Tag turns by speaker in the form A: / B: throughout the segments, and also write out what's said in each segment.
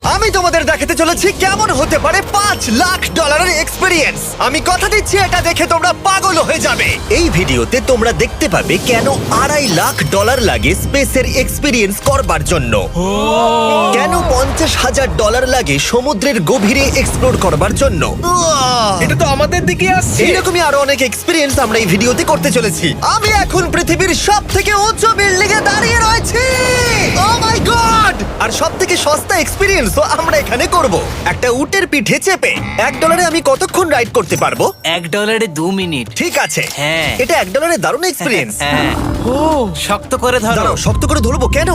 A: আমি তোমাদের দেখাতে চলেছি কেমন হতে পারে $5 লাখ এক্সপিরিয়েন্স। আমি কথা দিচ্ছি এটা দেখে তোমরা পাগল হয়ে যাবে। এই ভিডিওতে তোমরা দেখতে পাবে কেন $2.5 লাখ লাগে স্পেসের এক্সপিরিয়েন্স করবার জন্য, কেন $50,000 লাগে সমুদ্রের গভীরে এক্সপ্লোর করবার জন্য।
B: এটা তো আমাদের দিকে আসছে।
A: এইরকমই আরো অনেক এক্সপিরিয়েন্স আমরা এই ভিডিওতে করতে চলেছি। আমি এখন পৃথিবীর সব থেকে উঁচু বিল্ডিং এ দাঁড়িয়ে রয়েছি। ও মাই গড! আর সব থেকে সস্তা এক্সপিরিয়েন্সও আমরা এখানে করব, একটা উটের পিঠে চেপে। $1 আমি কতক্ষণ রাইড করতে পারবো?
C: $1 2 মিনিট।
A: ঠিক আছে,
C: হ্যাঁ।
A: এটা $1 দারুণ এক্সপিরিয়েন্স।
C: হ্যাঁ। শক্ত করে ধরো।
A: দাঁড়াও, শক্ত করে ধরবো কেন?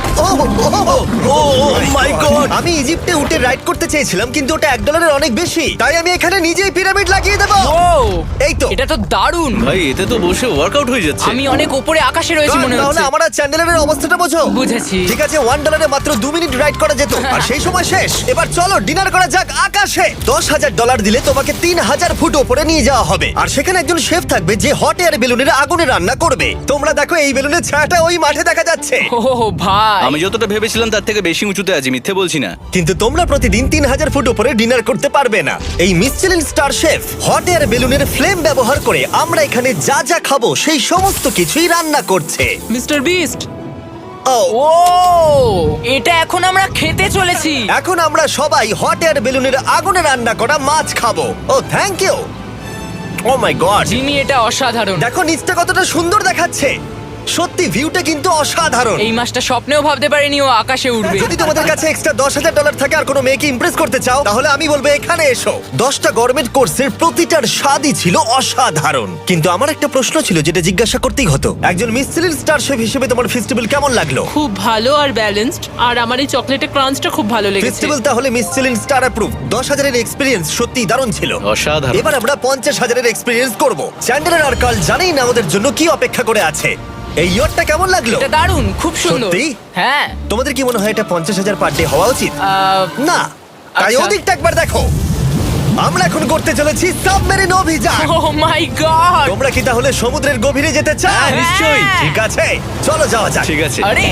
A: Oh my god! আমি ইজিপ্টে উটে রাইড করতে চেয়েছিলাম, কিন্তু ওটা $1 অনেক বেশি, তাই আমি এখানে নিজেই পিরামিড লাগিয়ে দেবো। এই তো।
D: এটা তো দারুণ।
B: ভাই এতে তো বসে ওয়ার্কআউট হয়ে যাচ্ছে।
D: আমি অনেক উপরে আকাশে রয়েছি মনে
A: তাহলে
D: হচ্ছে।
A: আমার আর চ্যান্ডেলের অবস্থাটা বোঝো।
D: বুঝেছি।
A: ঠিক আছে, $1 মাত্র 2 মিনিট রাইড করা যেত, আর সেই সময় শেষ। এবার চলো ডিনার করা যাক আকাশে। $10,000 দিলে তোমাকে 3000 ফুট উপরে নিয়ে যাওয়া হবে, আর সেখানে একজন শেফ থাকবে যে হট এয়ার বেলুনের আগুনে রান্না করবে। তোমরা দেখো এই বেলুনের ছায়াটা ওই মাঠে দেখা যাচ্ছে।
D: ও ভাই,
B: আমি যতটা ভেবেছিলাম তার থেকে বেশি উঁচুতে আছি, মিথ্যে বলছি না।
A: কিন্তু তোমরা প্রতিদিন 3000 ফুট উপরে ডিনার করতে পারবে না। এই Michelin star chef hot air বেলুনের ফ্লেম ব্যবহার করে আমরা এখানে যা যা খাবো সেই সমস্ত কিছুই রান্না করছে।
D: Mister beast.
A: ও
D: ও, এটা এখন আমরা খেতে চলেছি।
A: এখন আমরা সবাই হট এয়ার বেলুনের আগুনে রান্না করা মাছ খাবো। Oh thank you. Oh my god,
D: Jimmy, এটা অসাধারণ।
A: দেখো নিচটা কতটা সুন্দর দেখাচ্ছে। সত্যি ভিউটা কিন্তু অসাধারণ।
D: এই মাসটা স্বপ্নেও ভাবতে পারিনি ও আকাশে উঠবে।
A: যদি তোমাদের কাছে এক্সট্রা $10,000 থাকে আর কোনো মেয়েকে ইমপ্রেস করতে চাও, তাহলে আমি বলবো এখানে এসো। 10টা গরমেট কোর্সের প্রতিটার স্বাদই ছিল অসাধারণ। কিন্তু আমার একটা প্রশ্ন ছিল যেটা জিজ্ঞাসা করতেই হতো, একজন মিশেলিন স্টার শেফ হিসেবে তোমার ফেস্টিভ্যাল কেমন লাগলো?
E: খুব ভালো আর ব্যালেন্সড, আর আমার এই চকলেটের ক্রাঞ্চটা খুব ভালো লেগেছে।
A: ফেস্টিভ্যাল তাহলে মিশেলিন স্টার অ্যাপ্রুভ। 10,000 এক্সপিরিয়েন্স সত্যি দারুণ ছিল।
B: অসাধারণ।
A: এবার আমরা 50,000 এক্সপিরিয়েন্স করব। চ্যান্ডেলার আর কার্ল জানেই না আমাদের জন্য কি অপেক্ষা করে আছে। এই ইয়ারটা কেমন লাগলো?
D: এটা দারুণ, খুব সুন্দর।
A: সত্যি?
D: হ্যাঁ।
A: তোমাদের কি মনে হয় এটা 50,000 পার ডে হওয়া উচিত? না, তাই
D: আচ্ছা।
A: ওদিকটা একবার দেখো। আমরা এখন করতে চলেছি সাবমেরিন অভিযান।
D: Oh my god.
A: তোমরা কি তাহলে সমুদ্রের গভীরে যেতে চাও?
D: হ্যাঁ, নিশ্চয়ই।
A: ঠিক আছে, চলো যাওয়া যাক।
B: ঠিক আছে।
D: আরে,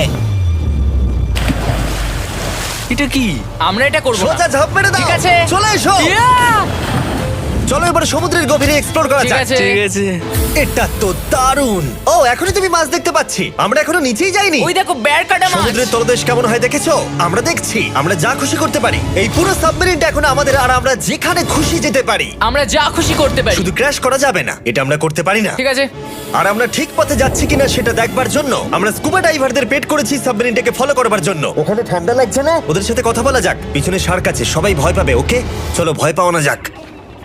B: এটা কি?
D: আমরা এটা করব না।
A: সোজা ঝাঁপ মেরে দাও।
D: ঠিক আছে।
A: চলে এসো।
D: Yeah!
A: চলো এবার সমুদ্রের গভীরে এক্সপ্লোর করা
D: ঠিক
A: যাক।
D: আছে।
B: ঠিক আছে।
A: এটা তো দারুণ। ও, এখনই তুমি মাছ দেখতে পাচ্ছি। আমরা এখনো নিচেই যাইনি।
D: ওই দেখো, বেড় কাটা মাছ।
A: সমুদ্রের তলদেশ কেমন হয় দেখেছো? আমরা দেখছি, আমরা যা খুশি করতে পারি। এই পুরো সাবমেরিনটা এখন আমাদের, আর আমরা যেখানে খুশি যেতে পারি।
D: আমরা যা খুশি করতে পারি।
A: শুধু ক্র্যাশ করা যাবে না, এটা আমরা করতে পারি না।
D: ঠিক আছে।
A: আর আমরা ঠিক পথে যাচ্ছি কিনা সেটা দেখবার জন্য আমরা স্কুবা ডাইভারদের পেড করেছি সাবমেরিনটাকে ফলো করবার জন্য। ওখানে ঠান্ডা লাগছে না? ওদের সাথে কথা বলা যাক। পিছনে শার্ক আছে, সবাই ভয় পাবে। ওকে চলো, ভয় পাওয়া না যাক।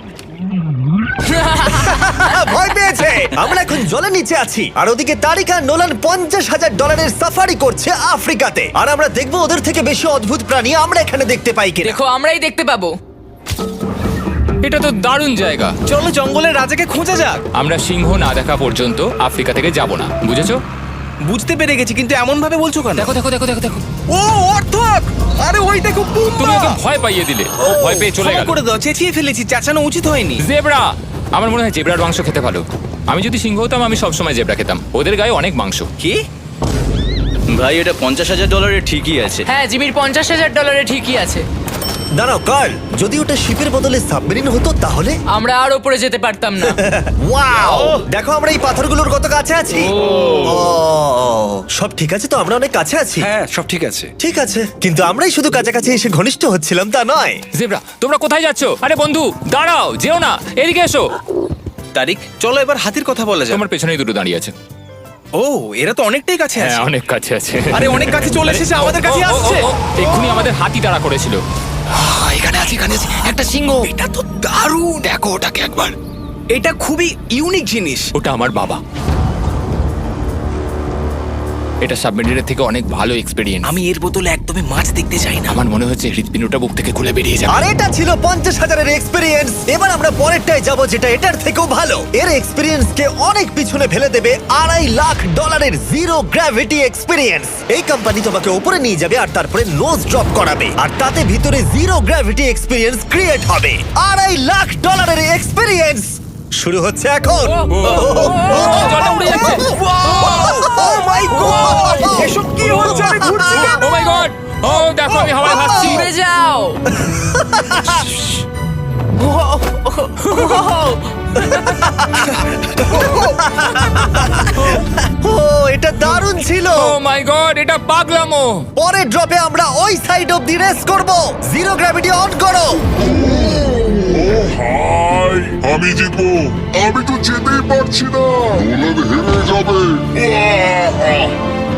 A: ভয় পেয়েছে। আমরা এখন জলের নিচে আছি, আর ওদিকে তারিকা নোলান $50,000 সাফারি করছে আফ্রিকাতে। আর আমরা দেখবো ওদের থেকে বেশি অদ্ভুত প্রাণী আমরা এখানে দেখতে পাই কিনা।
D: দেখো, আমরাই দেখতে পাবো।
F: এটা তো দারুণ জায়গা।
B: চলো জঙ্গলের রাজাকে খোঁজা যাক।
F: আমরা সিংহ না দেখা পর্যন্ত আফ্রিকা থেকে যাব না, বুঝেছো?
B: বুঝতে পেরে গেছি, কিন্তু এমন ভাবে বলছো কেন?
F: দেখো দেখো দেখো দেখো দেখো,
B: ও অর্থক! আরে ওই দেখো
F: তুমি ওকে ভয় পাইয়ে দিলে। ও ভয় পেয়ে চলে
B: ক্ষমা
F: গেল।
B: করে দাও, চেঁচিয়ে ফেলেছি, চাচানো উচিত হয়নি।
F: জেব্রা, আমার মনে হয় জেব্রার মাংস খেতে ভালো। আমি যদি সিংহ হতাম আমি সবসময় জেব্রা খেতাম, ওদের গায়ে অনেক মাংস।
B: কি? ভাই এটা $50,000 ঠিকই আছে।
D: হ্যাঁ, জিমির $50,000 ঠিকই আছে।
A: দাঁড়াও কার্ল, যদি ওটা শিপের বদলে সাবমেরিন হতো তাহলে?
D: আমরা আর উপরে যেতে পারতাম না।
A: ওয়াও, দেখো আমরা এই পাথরগুলোর কত কাছে আছি। ও, সব ঠিক আছে তো? আমরা অনেক কাছে আছি।
B: হ্যাঁ সব ঠিক আছে।
A: ঠিক আছে, কিন্তু আমরাই শুধু কাছাকাছি এসে ঘনিষ্ঠ হচ্ছিলাম তা নয়।
F: জেব্রা, তোমরা কোথায় যাচ্ছ? আরে বন্ধু দাঁড়াও, যেও না, এদিকে এসো।
B: তারিক, চলো এবার হাতির কথা বলা যাক।
F: তোমার পেছনেই দুটো দাঁড়িয়ে আছে।
B: ও, এরা তো অনেকটাই কাছে
F: হ্যাঁ,
B: আছে।
F: অনেক কাছে আছে।
B: আরে অনেক কাছে চলে এসেছে, আমাদের কাছে আসছে।
F: এক্ষুনি আমাদের হাতি তাড়া করেছিল।
C: এখানে আছে একটা সিংহ।
B: এটা তো দারুণ।
C: দেখো ওটাকে একবার।
B: এটা খুবই ইউনিক জিনিস।
F: ওটা আমার বাবা। এটা সাবমেরিনের থেকে অনেক ভালো এক্সপেরিয়েন্স।
C: আমি এর বদলে একদমই মাছ দেখতে চাই না।
F: আমার মনে হচ্ছে হৃৎপিণ্ডটা বুক থেকে খুলে বেরিয়ে যাবে।
A: আর এটা ছিল 50,000 এক্সপিরিয়েন্স। এবার আমরা পরেরটায় যাব যেটা এটার থেকেও ভালো। এর এক্সপিরিয়েন্স কে অনেক পিছনে ফেলে দেবে $2.5 লাখ জিরো গ্র্যাভিটি এক্সপিরিয়েন্স। এই কোম্পানি তোমাকে উপরে নিয়ে যাবে আর তারপরে নোজ ড্রপ করাবে, আর তাতে ভিতরে জিরো গ্র্যাভিটি এক্সপিরিয়েন্স ক্রিয়েট হবে। $2.5 এক্সপিরিয়েন্স শুরু হচ্ছে এখন।
F: জলটা উড়ে যাচ্ছে।
A: ও মাই গড,
B: এসব কি হচ্ছে? আমি ঘুরছি কেন?
F: Oh my god! ও দেখো আমি হাওয়ায় ভাসছি।
D: উড়ে যাও।
A: ও এটা দারুণ ছিল।
F: ও মাই গড, এটা পাগলামো।
A: পরের ড্রপে আমরা ওই সাইড অফ দি রেস করব। জিরো গ্র্যাভিটি অন করো।
G: হাই, আমি জিতবো। আমি তো যেতেই পারছি না, নোলান হেরে যাবে। আহ!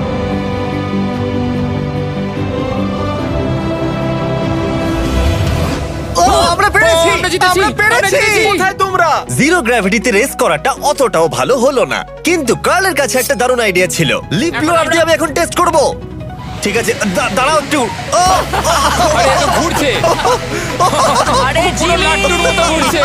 A: ও আমরা পেরেছি,
F: ও, আমরা জিতেছি,
A: আমরা পেরেছি।
F: আমরা জিতেছি।
A: কোথায় তোমরা? জিরো গ্র্যাভিটিতে রেস করাটা অতটাও ভালো হলো না, কিন্তু কার্লের কাছে একটা দারুণ আইডিয়া ছিল। লিপ ব্লোয়ার দিয়ে আমি এখন টেস্ট করব। ঠিক আছে, দাঁড়াও একটু। ও,
F: আরে এত ঘুরছে,
D: আরে
F: পুরো
D: জিমি
F: লাট্টুর মতো ঘুরছে।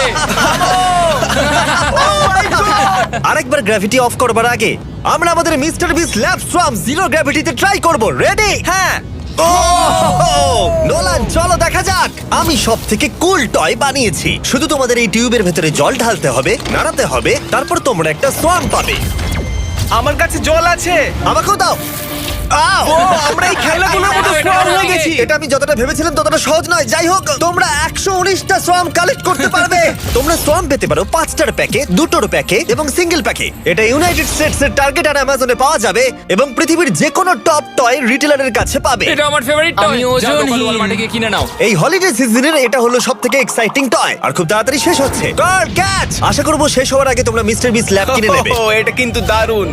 A: আরেকবার গ্র্যাভিটি অফ করবার আগে আমরা আমাদের mister Beast Lab Swarm zero গ্র্যাভিটিতে ট্রাই করব। রেডি?
C: হ্যাঁ।
A: ও নোলান, চলো দেখা যাক। আমি সব থেকে কুল টয় বানিয়েছি। শুধু তোমাদের এই টিউবের ভেতরে জল ঢালতে হবে, নাড়াতে হবে, তারপর তোমরা একটা সোয়াম পাবে।
C: আমার কাছে জল আছে।
A: আমাকেও দাও। আও!
C: আমরা এই খেলাগুলোর মতো স্ট্রং হয়ে গেছি।
A: এটা আমি যতটা ভেবেছিলাম ততটা সহজ নয়। যাই হোক, তোমরা 119টা সোয়াম কালেক্ট করতে পারবে। তোমরা সোয়াম পেতে পারো 5টার প্যাকে, 2টোর প্যাকে এবং সিঙ্গেল প্যাকে। এটা ইউনাইটেড স্টেটস এর টার্গেট আর অ্যামাজনে পাওয়া যাবে এবং পৃথিবীর যে কোনো টপ টয় রিটেলারের কাছে পাবে।
F: এটা আমার ফেভারিট টয়।
D: আমি ওজনহীন।
F: ওয়ালমার্টে গিয়ে কিনে নাও।
A: এই হলিডে সিজনের এটা হলো সবথেকে এক্সাইটিং টয় আর খুব তাড়াতাড়ি শেষ হচ্ছে। Guard catch! আশা করব শেষ হওয়ার আগে তোমরা মিস্টার বিস ল্যাব কিনে নেবে।
C: ও, এটা কিন্তু দারুণ।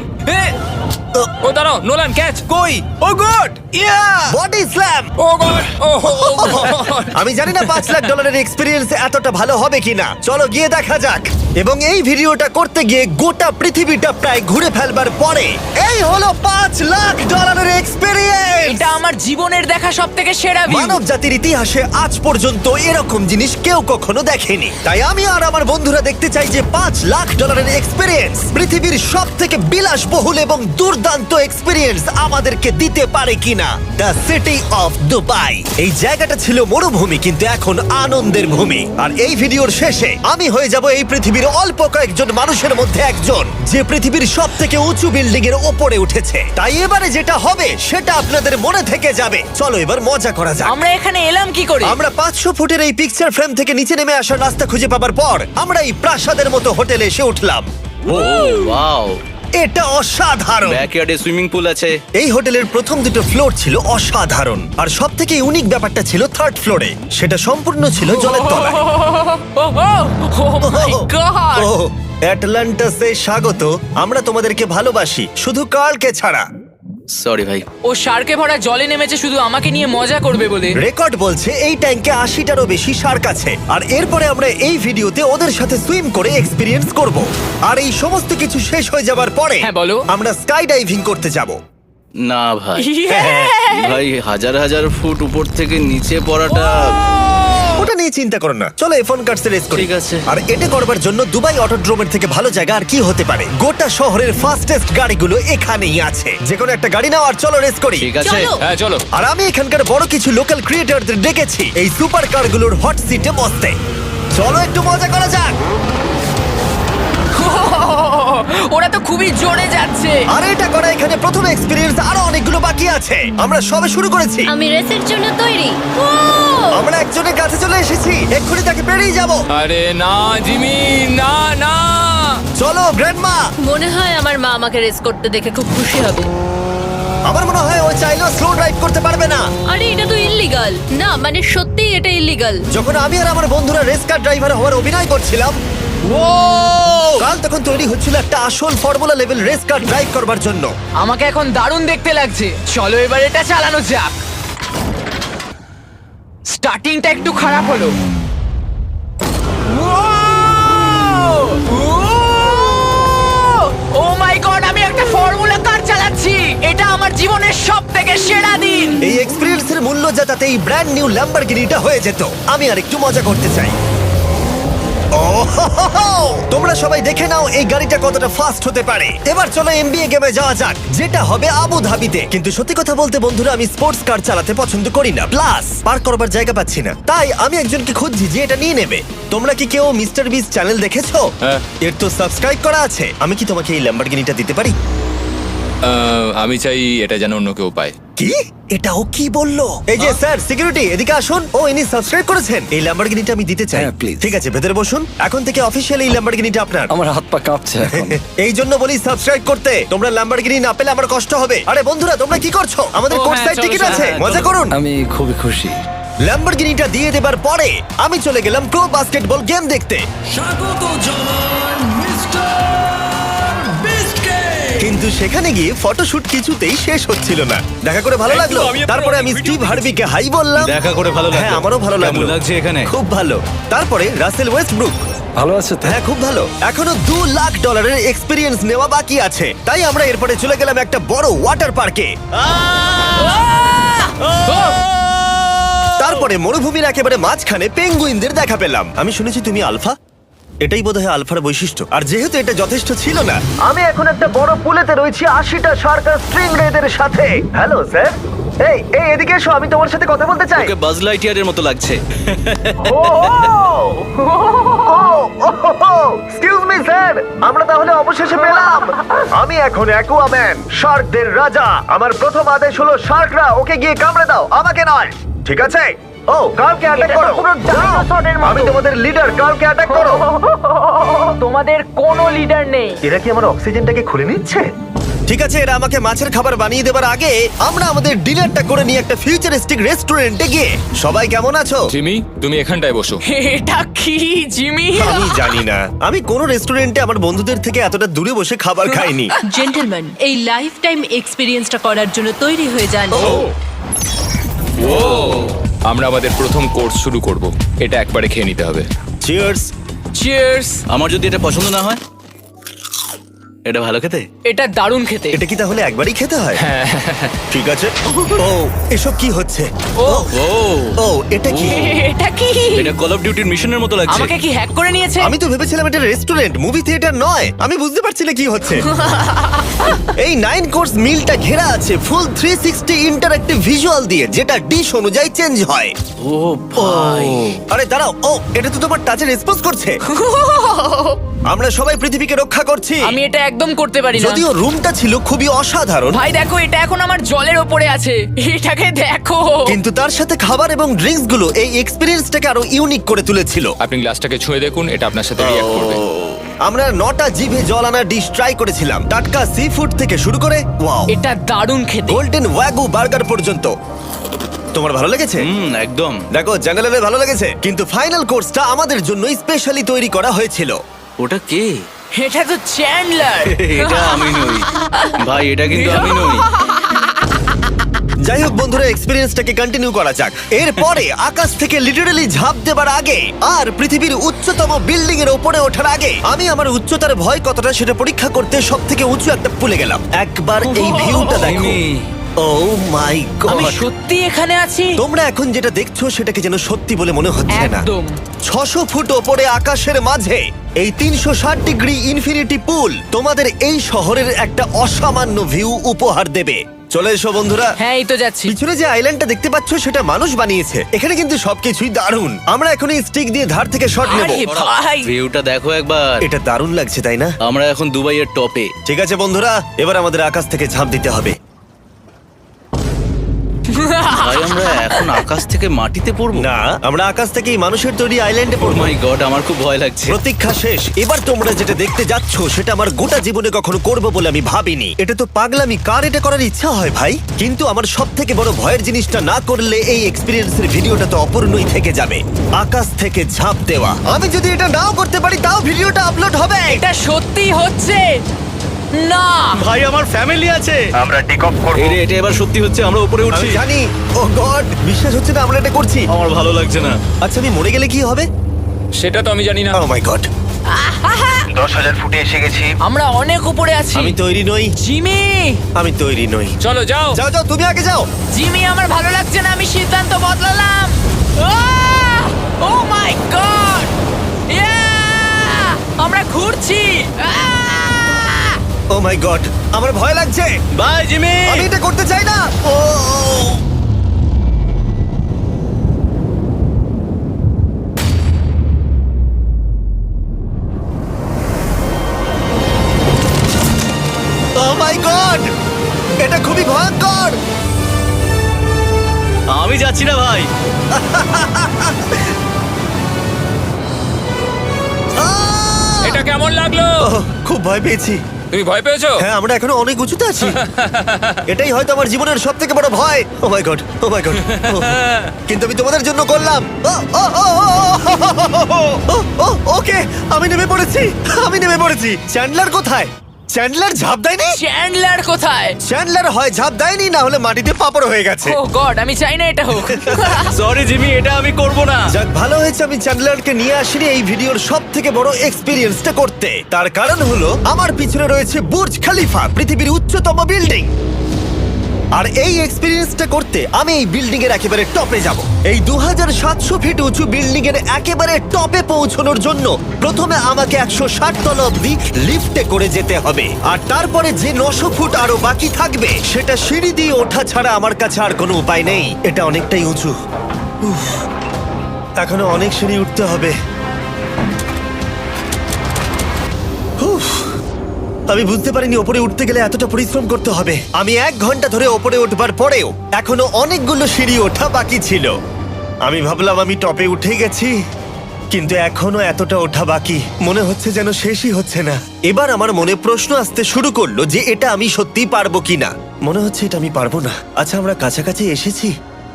F: ও দাঁড়াও, নোলান ক্যাচ।
C: কই? Oh god! Yeah!
A: Body slam!
F: Oh god, oh god.
A: আমি জানি না $5 লাখ এক্সপিরিয়েন্স এতটা ভালো হবে কিনা। চলো গিয়ে দেখা যাক। এবং এই ভিডিওটা করতে গিয়ে গোটা পৃথিবীটা প্রায় ঘুরে ফেলবার পরে এই হলো $5 লাখ এক্সপিরিয়েন্স।
D: এটা আমার জীবনের দেখা সবথেকে সেরা ভিউ।
A: মানব জাতির ইতিহাসে আজ পর্যন্ত এরকম জিনিস কেউ কখনো দেখেনি। তাই আমি আর আমার বন্ধুরা দেখতে চাই যে $5 লাখ এক্সপিরিয়েন্স পৃথিবীর সব থেকে বিলাসবহুল এবং দুর্দান্ত এক্সপিরিয়েন্স আমাদেরকে দিতে পারে কিনা। The city of Dubai. এই জায়গাটা ছিল মরুভূমি, কিন্তু এখন আনন্দের ভূমি। আর এই ভিডিওর শেষে আমি হয়ে যাব এই পৃথিবীর অল্প কয়েকজন মানুষের মধ্যে একজন, যে পৃথিবীর সব থেকে উঁচু বিল্ডিং এর ওপরে উঠেছে। তাই এবারে যেটা হবে সেটা আপনাদের মনে থেকে যাবে। চলো এবার মজা করা যাক।
D: আমরা এখানে এলাম কি করে?
A: আমরা 500 ফুটের এই পিকচার ফ্রেম থেকে নিচে নেমে আসার রাস্তা খুঁজে পাবার পর আমরা এই প্রাসাদের মতো হোটেলে এসে উঠলাম।
B: ও ওয়াও,
A: এটা অসাধারণ।
B: ব্যাকইয়ার্ডে সুইমিং পুল আছে।
A: এই হোটেলের প্রথম দুটো ফ্লোর ছিল অসাধারণ, আর সব থেকে ইউনিক ব্যাপারটা ছিল থার্ড ফ্লোরে। সেটা সম্পূর্ণ ছিল জলের তলায়।
D: ও মাই গড!
A: ও অ্যাটলান্টাসে স্বাগত। আমরা তোমাদেরকে ভালোবাসি, শুধু কার্লকে ছাড়া।
B: সরি ভাই।
D: ও শার্কে ভরা জলে নেমেছে শুধু আমাকে নিয়ে মজা করবে বলে।
A: রেকর্ড বলছে এই ট্যাঙ্কে 80টারও বেশি শার্ক আছে। আর এরপরে আমরা এই ভিডিওতে ওদের সাথে সুইম করে এক্সপিরিয়েন্স করব। আর এই সমস্ত কিছু শেষ হয়ে যাবার পরে
D: হ্যাঁ, বলো।
A: আমরা স্কাই ডাইভিং করতে যাব।
B: না ভাই,
A: হ্যাঁ।
B: ভাই হাজার হাজার ফুট উপর থেকে নিচে পড়াটা।
A: ওটা নিয়ে চিন্তা করো না, চলো এফোন কার্ডস রেস করি।
B: ঠিক আছে।
A: আর এটা করবার জন্য দুবাই অটোড্রোমের থেকে ভালো জায়গা আর কি হতে পারে। গোটা শহরের ফাস্টেস্ট গাড়িগুলো এখানেই আছে। যে কোনো একটা গাড়ি নাও আর চলো রেস করি।
B: ঠিক আছে।
F: হ্যাঁ চলো।
A: আর আমি এখানকার বড় কিছু লোকাল ক্রিয়েটরদের ডেকেছি এই সুপার কারগুলোর হট সিটে বসতে। চলো একটু মজা করা যাক।
D: ওরা তো খুবই জোরে যাচ্ছে।
A: আর এটা করা এখানে প্রথম এক্সপিরিয়েন্স, আরো অনেকগুলো বাকি আছে। আমরা সবে শুরু করেছি।
H: আমি রেসের জন্য তৈরি। ও
A: আমরা একজনের কাছে চলে এসেছি, এক্ষুনি তাকে পেরিয়ে যাব।
F: আরে না জিমি, না না।
A: চলো গ্র্যান্ডমা।
H: মনে হয় আমার মা আমাকে রেস করতে দেখে খুব খুশি হবে।
A: আমার মনে হয় ও চাইলেও স্লো ড্রাইভ করতে পারবে না।
H: আরে এটা তো ইল্লিগাল। না মানে সত্যি এটা ইল্লিগাল।
A: যখন আমি আর আমার বন্ধুরা রেস কার ড্রাইভার হওয়ার অভিনয় করছিলাম, কাল তখন তৈরি হচ্ছিল একটা আসল formula level race car drive করবার জন্য।
D: আমাকে এখন দারুণ দেখতে লাগছে। চলো এবার এটা চালানো যাক। স্টার্টিংটা একটু খারাপ হলো। ও মাই গড, আমি একটা ফর্মুলা কার চালাচ্ছি। এটা আমার জীবনের সবথেকে সেরা দিন।
A: এই এক্সপেরিয়েন্সের মূল্য যা তাতে এই ব্র্যান্ড নিউ ল্যাম্বরগিনিটা হয়ে যেত। আমি আর একটু মজা করতে চাই। তোমরা সবাই দেখে নাও এই গাড়িটা কতটা ফাস্ট হতে পারে। এবার চলো এমবিএ গেমে যাওয়া যাক, যেটা হবে আবু ধাবিতে। কিন্তু সত্যি কথা বলতে বন্ধুরা, আমি স্পোর্টস কার চালাতে পছন্দ করি না, প্লাস পার্ক করবার জায়গা পাচ্ছি না। তাই আমি একজনকে খুঁজছি যে এটা নিয়ে নেবে। তোমরা কি কেউ মিস্টার বিস চ্যানেল দেখেছো?
F: হ্যাঁ।
A: এর তো সাবস্ক্রাইব করা আছে। আমি কি তোমাকে এই ল্যাম্বরগিনিটা দিতে পারি?
F: আমি চাই এটা যেন অন্য কেউ পায়।
A: কি এটা ও কি বললো? এই যে স্যার সিকিউরিটি এদিকে আসুন। ও ইনি সাবস্ক্রাইব করেছেন। এই ল্যাম্বরগিনিটা আমি দিতে চাই।
I: হ্যাঁ, please.
A: ঠিক আছে, ভেতরে বসুন। এখন থেকে অফিসিয়ালি এই ল্যাম্বরগিনিটা আপনার।
I: আমার হাত পা কাঁপছে এখন।
A: এই জন্য বলি সাবস্ক্রাইব করতে। তোমরা ল্যাম্বরগিনি না পেলে আমার কষ্ট হবে। আরে বন্ধুরা তোমরা কি করছো? আমাদের
E: ও,
A: কোর্ট
E: হ্যাঁ,
A: সাইড
E: চলো,
A: টিকিট
E: চলো,
A: আছে,
B: হ্যাঁ,
A: মজা
B: চলো।
A: করুন।
I: আমি খুবই খুশি।
A: ল্যাম্বরগিনিটা দিয়ে দেবার পরে আমি চলে গেলাম প্রো বাস্কেটবল গেম দেখতে। কিন্তু সেখানে গিয়ে ফটোশুট কিছুতেই শেষ হচ্ছিল না। দেখা করে ভালো লাগলো। তারপরে আমি স্টিভ হার্বিকে হাই বললাম।
B: দেখা করে ভালো লাগলো।
A: হ্যাঁ, আমারও ভালো লাগলো।
B: কেমন লাগছে এখানে?
A: খুব ভালো। তারপরে রাসেল ওয়েস্টব্রুক।
I: ভালো আছে তো?
A: হ্যাঁ, খুব ভালো। এখনো $2 লাখ এক্সপিরিয়েন্স নেওয়া বাকি আছে। তাই আমরা এরপরে চলে গেলাম একটা বড় ওয়াটার পার্কে। তারপরে মরুভূমির একেবারে মাঝখানে পেঙ্গুইনদের দেখা পেলাম। আমি শুনেছি তুমি আলফা। এটাই বোধহয় আলফার বৈশিষ্ট্য। আর যেহেতু এটা যথেষ্ট ছিল না, আমি এখন একটা বড় পুলেতে রয়েছি 80টা সার্কাস স্ট্রিং রেদের সাথে। Hello sir. এই এই এদিকে এসো, আমি তোমার সাথে কথা বলতে চাই।
B: ওকে বাজ লাইটিয়ারের মতো লাগছে।
A: এক্সকিউজ মি স্যার, আমরা তাহলে অবশেষে পেলাম। আমি এখন অ্যাকুয়াম্যান, শার্কদের রাজা। আমার প্রথম আদেশ হলো শার্করা ওকে গিয়ে কামড়ে দাও, আমাকে নয়। ঠিক আছে? ও, কার্লকে অ্যাটাক করো। আমি তোমাদের লিডার, কার্লকে অ্যাটাক করো।
D: তোমাদের কোনো লিডার নেই।
A: এরা কি আমার অক্সিজেনটাকে খুলে নিচ্ছে? ঠিক আছে, এরা আমাকে মাছের খাবার বানিয়ে দেবার আগে আমরা আমাদের ডিনারটা করে নিয়ে একটা ফিউচারিস্টিক রেস্টুরেন্টে গিয়ে। সবাই কেমন আছো?
F: জিমি, তুমি এখানটায় বসো।
D: এটা কি জিমি?
A: আমি জানি না, আমি কোন রেস্টুরেন্টে আমার বন্ধুদের থেকে এতটা দূরে বসে খাবার খাইনি।
H: জেন্টলম্যান, এই লাইফ টাইম এক্সপিরিয়েন্সটা করার জন্য তৈরি হয়ে যান।
F: আমরা আমাদের প্রথম কোর্স শুরু করব। এটা একবারে খেয়ে নিতে হবে।
A: চিয়ার্স।
E: চিয়ার্স।
B: আমার যদি এটা পছন্দ না হয়? এটা ভালো খেতে?
E: এটা দারুণ খেতে।
A: এটা কি তাহলে একবারই খেতে হয়? ঠিক আছে। ও, এসব কি হচ্ছে?
E: ও
B: ও,
A: ও, এটা কি?
D: এটা কি?
B: এটা কল অফ ডিউটির মিশনের মতো লাগছে।
D: আমাকে কি হ্যাক করে নিয়েছে?
A: আমি তো ভেবেছিলাম এটা রেস্টুরেন্ট, মুভি থিয়েটার নয়। আমি বুঝতে পারছি না কি হচ্ছে। এই 9 কোর্স মিলটা ঘেরা আছে ফুল 360 ইন্টারঅ্যাক্টিভ ভিজুয়াল দিয়ে, যেটা ডিশ অনুযায়ী চেঞ্জ হয়।
B: ও ভাই,
A: আরে দাঁড়াও, ও এটা তো তোমার টাচে রেসপন্স করছে। আমরা সবাই পৃথিবীকে রক্ষা করছি।
D: আমি এটা একদম করতে পারি না।
A: যদিও রুমটা ছিল খুবই অসাধারণ,
D: ভাই দেখো, এটা এখন আমার জলের ওপরে আছে। এটাকে দেখো।
A: কিন্তু তার সাথে খাবার এবং ড্রিঙ্কস গুলো এই এক্সপেরিয়েন্সটাকে আরো ইউনিক করে তুলেছিল।
F: আপনি গ্লাসটাকে ছুঁয়ে দেখুন, এটা আপনার সাথে রিঅ্যাক্ট করবে।
A: আমরা 9টা জিভে জল আনা ডিশ ট্রাই করেছিলাম, টাটকা সি ফুড থেকে শুরু করে ওয়াও,
D: এটা দারুণ খেতে।
A: গোল্ডেন ওয়াগু বার্গার পর্যন্ত। তোমার ভালো লেগেছে?
B: একদম।
A: দেখো, জেনারেলে ভালো লেগেছে, কিন্তু ফাইনাল কোর্সটা আমাদের জন্য স্পেশালি তৈরি করা হয়েছিল।
B: ওটা কে?
D: এটা তো চ্যান্ডলার।
B: এটা আমি নই ভাই, এটা কিন্তু আমি নই।
A: যাই হোক বন্ধুরা, এক্সপেরিয়েন্সটাকে কন্টিনিউ করা যাক। এরপরে আকাশ থেকে লিটারালি ঝাঁপ দেবার আগে আর পৃথিবীর উচ্চতম বিল্ডিং এর উপরে ওঠার আগে আমি আমার উচ্চতার ভয় কতটা সেটা পরীক্ষা করতে সব থেকে উঁচু একটা পুলে গেলাম। একবার এই ভিউটা দেখো।
B: জিমি।
A: ও মাই
D: আমি
A: গড!
D: সত্যি এখানে আছি।
A: তোমরা এখন যেটা দেখছো সেটাকে যেন সত্যি বলে মনে হচ্ছে না।
D: একদম।
A: 600 ফুট ওপরে আকাশের মাঝে এই 360 ডিগ্রি ইনফিনিটি পুল তোমাদের এই শহরের একটা অসামান্য ভিউ উপহার দেবে। চলে এসো বন্ধুরা।
D: হ্যাঁ, এই তো যাচ্ছি।
A: পিছনে যে আইল্যান্ডটা দেখতে পাচ্ছ সেটা মানুষ বানিয়েছে। এখানে কিন্তু সবকিছুই দারুণ। আমরা এখন এই স্টিক দিয়ে ধার থেকে শট নেব।
D: আরে ভাই,
B: ভিউটা দেখো একবার।
A: এটা দারুণ লাগছে, তাই না?
B: আমরা এখন দুবাইয়ের টপে।
A: ঠিক আছে বন্ধুরা, এবার আমাদের আকাশ থেকে ঝাঁপ দিতে হবে।
B: ভাই, আমরা এখন আকাশ থেকে মাটিতে পড়বো?
A: না, আমরা আকাশ থেকে এই মানুষের তৈরি আইল্যান্ডে
B: ও
A: পড়বো।
B: মাই গড, আমার খুব ভয় লাগছে।
A: প্রতীক্ষা শেষ। এবার তোমরা যেটা দেখতে যাচ্ছ সেটা আমার গোটা জীবনে কখনো করবো বলে আমি ভাবিনি। এটা তো পাগলামি, কার এটা করার ইচ্ছা হয় ভাই? কিন্তু আমার সব থেকে বড় ভয়ের জিনিসটা না করলে এই এক্সপিরিয়েন্সের ভিডিওটা তো অপূর্ণই থেকে যাবে। আকাশ থেকে ঝাঁপ দেওয়া। আমি যদি এটা নাও করতে পারি তাও ভিডিওটা আপলোড হবে।
D: এটা সত্যি হচ্ছে না।
B: ভাই, আমার ফ্যামিলি আছে।
A: আমরা টেক অফ করব।
B: এটা এবার সত্যি হচ্ছে, আমরা উপরে উঠছি।
A: আমি জানি। ও গড, বিশ্বাস হচ্ছে না আমরা এটা করছি।
B: আমার ভালো লাগছে না।
A: আচ্ছা, আমি মরে গেলে কি হবে?
F: সেটা তো আমি জানি না।
A: ও মাই গড, 10,000 ফুটে এসে গেছি।
D: আমরা অনেক উপরে আছি।
A: আমি তৈরি নই।
D: জিমি,
A: আমি তৈরি নই।
F: চলো যাও।
A: যাও যাও, তুমি আগে যাও।
D: জিমি, আমার ভালো লাগছে না। আমি সিদ্ধান্ত বদলালাম। ও মাই গড! আমরা ঘুরছি।
A: ও মাই গড, আমার ভয় লাগছে।
B: Bye Jimmy.
A: আমি এটা করতে চাই না। ও মাই গড, এটা খুবই ভয়ঙ্কর। ওহ, খুব ভয় পেয়েছি।
F: তুমি ভয় পেয়েছো?
A: হ্যাঁ, আমরা এখনো অনেক উঁচুতে আছি। এটাই হয়তো আমার জীবনের সব থেকে বড় ভয়। Oh my god, oh my god. কিন্তু আমি তোমাদের জন্য করলাম। ওকে, আমি নেমে পড়েছি, আমি নেমে পড়েছি। চ্যান্ডলার কোথায়? চ্যান্ডলার ঝাঁপ দেয়নি?
D: চ্যান্ডলার কোথায়?
A: চ্যান্ডলার হয় ঝাঁপ দেয়নি, না হলে মাটিতে পাপড় হয়ে গেছে।
D: ও গড, আমি চাই না এটা হোক।
B: সরি জিমি, এটা আমি করব না।
A: যাক, ভালো হয়েছে আমি চ্যান্ডলারকে নিয়ে আসিনি এই ভিডিওর সব থেকে বড় এক্সপিরিয়েন্সটা করতে। তার কারণ হলো আমার পিছনে রয়েছে বুর্জ খলিফা, পৃথিবীর উচ্চতম বিল্ডিং। আর এই এক্সপিরিয়েন্সটা করতে আমি এই বিল্ডিং এর একেবারে টপে যাব। এই 2700 ফিট উঁচু বিল্ডিং এর একেবারে টপে পৌঁছানোর জন্য প্রথমে আমাকে 160 তলা অব্দি লিফটে করে যেতে হবে, আর তারপরে যে 900 ফুট আরো বাকি থাকবে সেটা সিঁড়ি দিয়ে ওঠা ছাড়া আমার কাছে আর কোনো উপায় নেই। এটা অনেকটাই উঁচু। উফ, এখনো অনেক সিঁড়ি উঠতে হবে। উফ, আমি বুঝতে পারিনি ওপরে উঠতে গেলে এতটা পরিশ্রম করতে হবে। আমি 1 ঘন্টা ধরে ওপরে উঠবার পরেও এখনো অনেকগুলো সিঁড়ি ওঠা বাকি ছিল। আমি ভাবলাম আমি টপে উঠে গেছি, কিন্তু এখনো এতটা ওঠা বাকি। মনে হচ্ছে যেন শেষই হচ্ছে না। এবার আমার মনে প্রশ্ন আসতে শুরু করলো যে এটা আমি সত্যিই পারবো কিনা। মনে হচ্ছে এটা আমি পারবো না। আচ্ছা, আমরা কাছাকাছি এসেছি।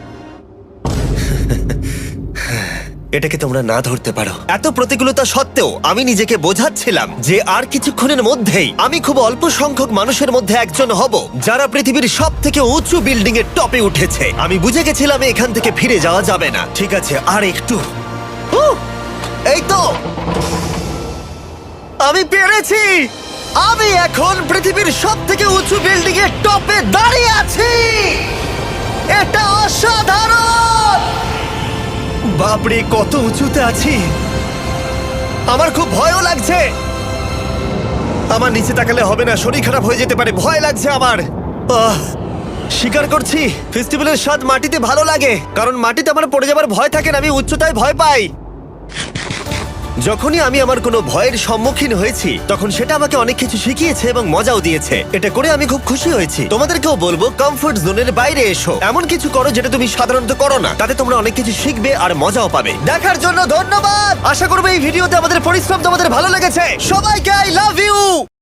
A: এটাকে তোমরা না ধরতে পারো। এত প্রতিকূলতা সত্ত্বেও আমি নিজেকে বোঝাচ্ছিলাম যে আর কিছুক্ষণের মধ্যেই আমি খুব অল্প সংখ্যক মানুষের মধ্যে একজন হব যারা পৃথিবীর সব থেকে উঁচু বিল্ডিং এর টপে উঠেছে। আমি বুঝে গেছিলাম এখান থেকে ফিরে যাওয়া যাবে না। ঠিক আছে, আর একটু। এই তো, আমি পেরেছি। আমি এখন পৃথিবীর সব থেকে উঁচু বিল্ডিং এর টপে দাঁড়িয়ে আছি। এটা অসাধারণ। বাপরে, কত উঁচুতে আছি। আমার খুব ভয়ও লাগছে। আমার নিচে তাকালে হবে না, শরীর খারাপ হয়ে যেতে পারে। ভয় লাগছে আমার। স্বীকার করছি, ফেস্টিভ্যালের স্বাদ মাটিতে ভালো লাগে, কারণ মাটিতে আমার পড়ে যাবার ভয় থাকে না। আমি উচ্চতায় ভয় পাই। যখনই আমি আমার কোনো ভয়ের সম্মুখীন হয়েছি তখন সেটা আমাকে অনেক কিছু শিখিয়েছে এবং মজাও দিয়েছে। এটা করে আমি খুব খুশি হয়েছি। তোমাদেরকেও বলবো কমফোর্ট জোনের বাইরে এসো, এমন কিছু করো যেটা তুমি সাধারণত করো না। তাতে তোমরা অনেক কিছু শিখবে আর মজাও পাবে। দেখার জন্য ধন্যবাদ। আশা করবো এই ভিডিওতে আমাদের পরিশ্রম তোমাদের ভালো লেগেছে। সবাইকে আই লাভ ইউ।